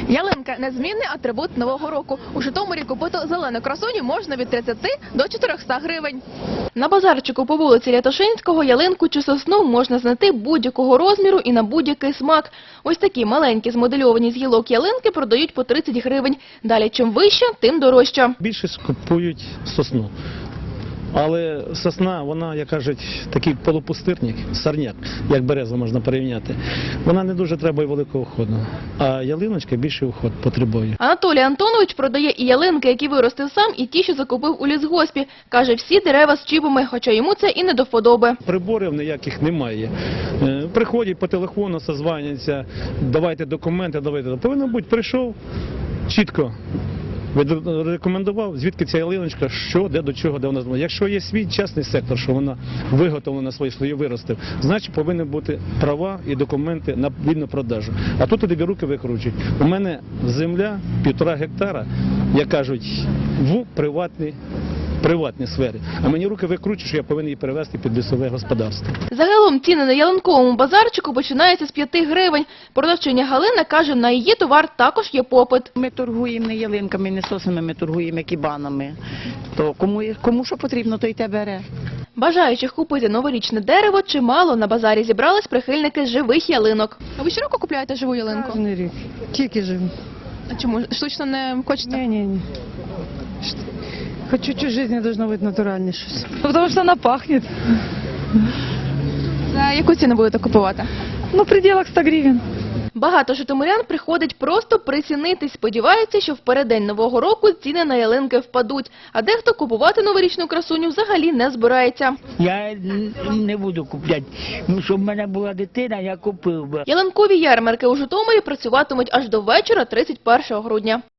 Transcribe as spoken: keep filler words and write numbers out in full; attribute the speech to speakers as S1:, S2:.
S1: Ялинка – незмінний атрибут Нового року. У Житомирі купити зелену красуню можна від тридцяти до чотирьохсот гривень. На базарчику по вулиці Лятошинського ялинку чи сосну можна знайти будь-якого розміру і на будь-який смак. Ось такі маленькі змодельовані з гілок ялинки продають по тридцять гривень. Далі чим вище, тим дорожче.
S2: Більшість купують сосну. Але сосна, вона, як кажуть, такий полупустирник, сорняк, як береза можна порівняти. Вона не дуже треба великого уходу, а ялиночка більший уход потребує.
S1: Анатолій Антонович продає і ялинки, які виростив сам, і ті, що закупив у лісгоспі. Каже, всі дерева з чіпами, хоча йому це і не до вподоби.
S2: Приборів ніяких немає. Е, Приходять по телефону, созваняться, давайте документи, давайте. Повинно бути, прийшов чітко. Рекомендував, звідки ця ялиночка, що, де, до чого, де вона знову. Якщо є свій частний сектор, що вона виготовлена, свої свої виростив, значить повинні бути права і документи на вільну продажу. А тут тобі руки викручують. У мене земля півтора гектара, як кажуть, в приватній приватній сфері. А мені руки викручують, що я повинен її перевести під лісове господарство.
S1: Загалом ціни на ялинковому базарчику починаються з п'яти гривень. Продавчиня Галина каже, на її товар також є попит.
S3: Ми торгуємо не ялинками, не соснами, ми торгуємо кібанами. То кому, кому що потрібно, то й те бере.
S1: Бажаючих купити новорічне дерево чимало. На базарі зібрались прихильники живих ялинок. А ви щороку купуєте живу ялинку?
S4: Кожний рік. Тільки живу.
S1: А чому? Штучно не хочете?
S4: Ні, ні, ні. Хоч чуть-чуть в житті должно бути натуральне щось. Тому що вона пахне.
S1: За яку ціну будете купувати?
S4: Ну, в пределах ста гривень.
S1: Багато житомирян приходить просто прицінитись. Сподіваються, що в переддень Нового року ціни на ялинки впадуть. А дехто купувати новорічну красуню взагалі не збирається.
S5: Я не буду купляти, тому що в мене була дитина, я купив би.
S1: Ялинкові ярмарки у Житомирі працюватимуть аж до вечора тридцять першого грудня.